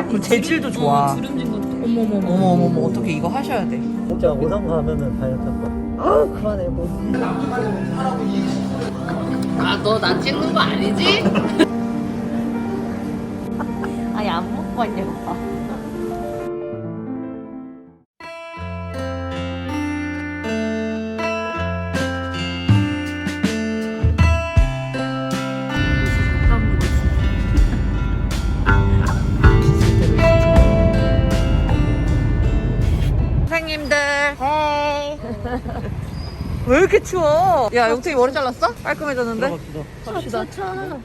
그 재질도 좋아. 주름진 것도. 어머머머 어떻게 이거 하셔야 돼. 진짜 오상 가면은 다이어트 할 거야. 아 그만해 뭐. 너 나 찍는 거 아니지? 아니 안 먹고 왔냐고. 선생님들 헤이. 왜 이렇게 추워? 야 용택이 머리 잘랐어? 깔끔해졌는데? 들어갑시다. 갑시다.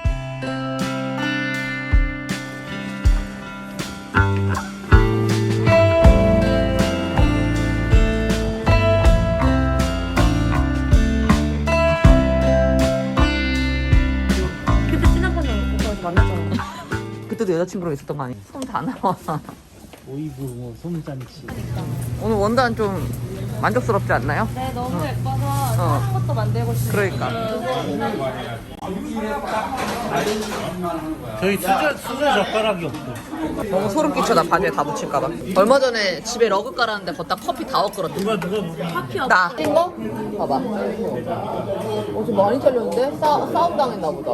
그때 지나가는 오빠한테 만났잖아. 그때도 여자친구랑 있었던 거 아니야? 손 다 나와. 오이브 뭐 솜잔치. 오늘 원단 좀 만족스럽지 않나요? 네, 너무 예뻐서 어. 다른 것도 만들고 싶어요. 그러니까. 저희 수저 젓가락이 없어. 너무 소름 끼쳐 나 바지에 다 묻힐까봐. 얼마 전에 집에 러그 깔았는데 걷다 커피 다 엎거렸대. 누가 나. 이거? 봐봐. 어제 많이 잘렸는데? 싸움 당했나 보다.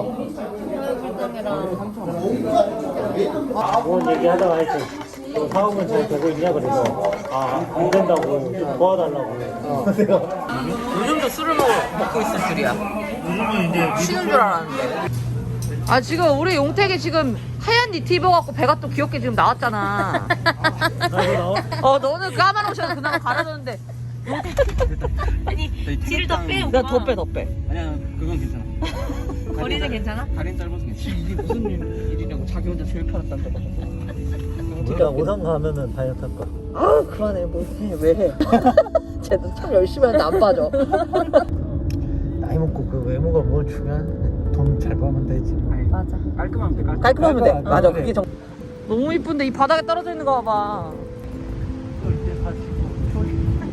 뭔 얘기 하다가 하여튼 사업은 잘 되고 있냐 그래서 안 된다고 좀 도와달라고. 내가 요즘도 술을 먹고 있을 줄이야. 요즘은 이제 쉬는 줄 알았는데. 아 지금 우리 용택이 지금 하얀 니트 입어갖고 배가 또 귀엽게 지금 나왔잖아. 나도 나와. 너는 까만 옷이라서 그나마 가려졌는데. 아니, 뒤를 더 빼, 나 오빠. 더 빼, 더 빼. 아니야 그건 괜찮아. 거리는 괜찮아? 다리는 짧아서 괜찮아. 이게 무슨 일이냐고 자기 혼자 제일 편했단다. 진짜 오상 가면은 다이어트 할 거야. 아 그만해 뭐 해. 왜 해. 쟤도 참 열심히 하는데 안 빠져. 나이 먹고 그 외모가 뭘 중요한? 돈 잘 벌면 되지. 맞아. 깔끔하면 돼. 깔끔하면 돼. 깔끔하면 맞아 돼. 그게 정. 너무 이쁜데 이 바닥에 떨어져 있는 거 봐봐. 이때 가지고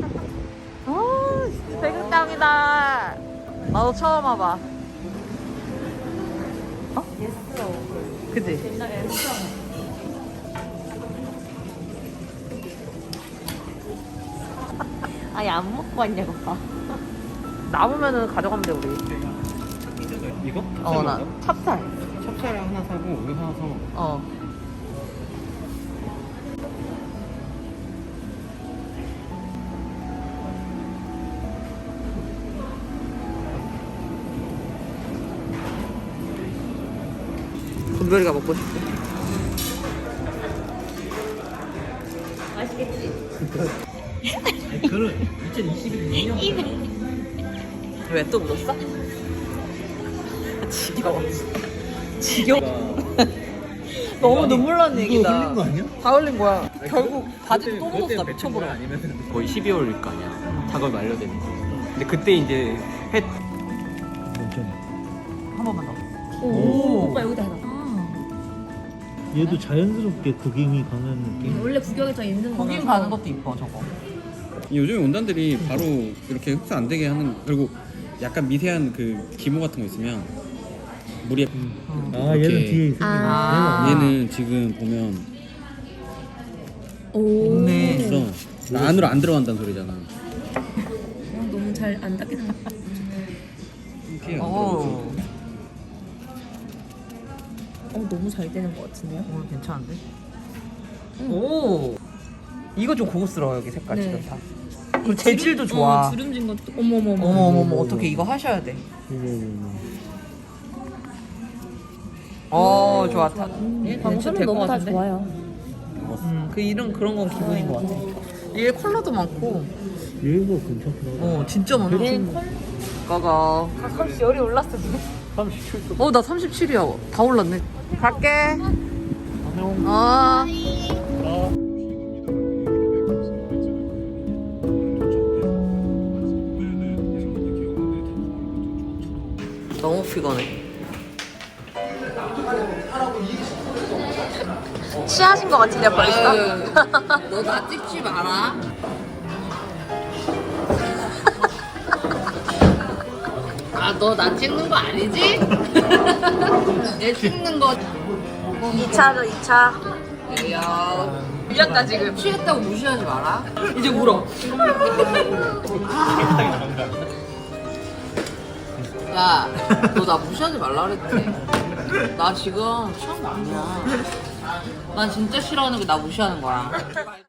아 진짜 백일당이다. 나도 처음 와봐. 어? 그치? 옛날에 아니 안 먹고 왔냐고. 남으면은 가져가면 돼 우리. 이거? 나 찹쌀. 찹쌀 하나 사고 우유 하나 사. 어. 금별이가 먹고 싶대. 맛있겠지? 그런 2022년 왜 또 묻었어? 지겨워. 지겨워. 너무 눈물 나는 얘기다. 흘린 거 아니야? 다 흘린 거야. 결국 바지도 또 묻었어. 미쳐버려. 아니면 거의 12월일 거 아니야. 작업 완료되는 거. 근데 그때 이제 해 한 번만 더. 오, 오빠 여기다 해놔. 얘도 자연스럽게 구김이 가는 느낌. 원래 구경이 더 있는 거. 거긴 가는 것도 이뻐 저거. 요즘에 원단들이 바로 이렇게 흡수 안 되게 하는 그리고 약간 미세한 그 기모 같은 거 있으면 물이 아 얘는 뒤에 있어. 아. 얘는 지금 보면 오. 없네. 있어 안으로 안 들어간다는 소리잖아. 너무 잘 안 닦겠다. 이렇게 안 오. 너무 잘 되는 것 같은데요? 오늘 괜찮은데? 오. 이거 좀 고급스러워 여기 색깔 네. 지금 다. 그리고 재질도 좋아. 주름진 것도. 어머머머. 어머머머 어떻게 이거 하셔야 돼. 좋았다. 방수는 너무 다 좋아요. 그 이런 그런 건 기분인 것 같아. 얘 컬러도 많고. 얘가 괜찮더라. 진짜 많아. 가가. 가끔씩 열이 올랐어 지금. 37도. 나 37이야. 다 올랐네. 갈게. 어. 너무 피곤해. 취하신 것 같은데 벌써? 너 나 찍지 마라. 너 나 찍는 거 아니지? 얘 찍는 거. 2차죠, 2차. 에이야. 미안다 지금. 취했다고 무시하지 마라. 이제 울어. 야, 너 나 무시하지 말라 그랬지. 나 지금 취한 거 아니야. 난 진짜 싫어하는 게 나 무시하는 거야.